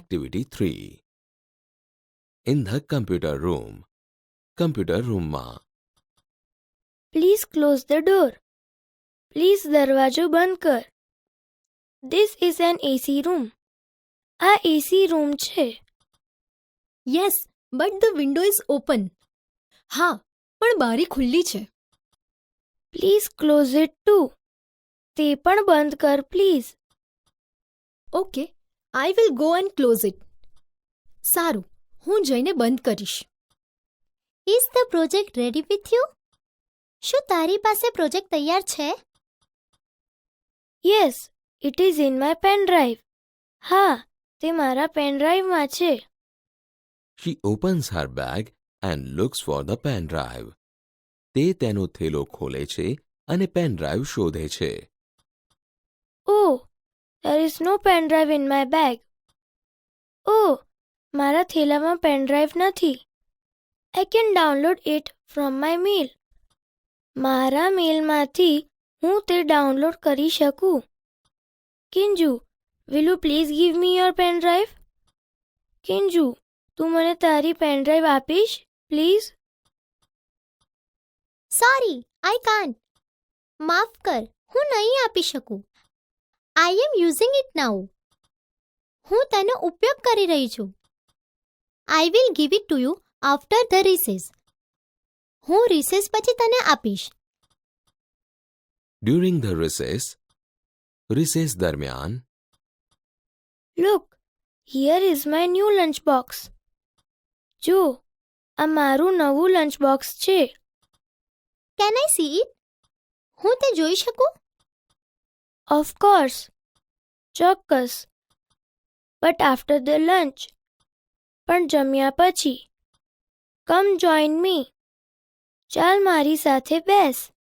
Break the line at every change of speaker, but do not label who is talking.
Activity 3. In the computer room. Computer room માં.
Please close the door. Please દરવાજો બંધ કર. This is an AC room. આ AC room છે.
Yes, but the window is open. હા, પણ બારી ખુલ્લી છે.
Please close it too. તે પણ બંધ કર please.
Okay, I will go and close it. સારું, હું જઈને બંધ કરીશ.
Is the project ready with you? શું તારી પાસે પ્રોજેક્ટ તૈયાર છે?
Yes, it is in my pen drive. હા, તે મારા pen drive માં છે.
She opens her bag and looks for the pen drive. તે તેનો થેલો ખોલે છે અને પેન ડ્રાઈવ શોધે છે.
Oh, there is no pen drive in my bag. Oh, મારા થેલામાં pen drive નથી. I can download it from my mail. મારા મેલમાંથી હું તે ડાઉનલોડ કરી શકું. કિંજુ, will you please give me your pen drive? કિંજુ, તું મને તારી પેન ડ્રાઈવ આપીશ પ્લીઝ?
Sorry, I can't. માફ કર, હું નહીં આપી શકું. I am using it now. હું તેનો ઉપયોગ કરી રહી છું. I will give it to you after the recess. હું રિસેસ પછી તને આપીશ.
During the recess. Recess દરમિયાન.
Look, here is my new lunch box. જો, આ મારું નવું લંચ બોક્સ છે.
Can I see it? હું તે જોઈ શકું?
Of course. ચોક્કસ. But after the lunch. પણ જમ્યા પછી. Come join me. ચાલ મારી સાથે બેસ.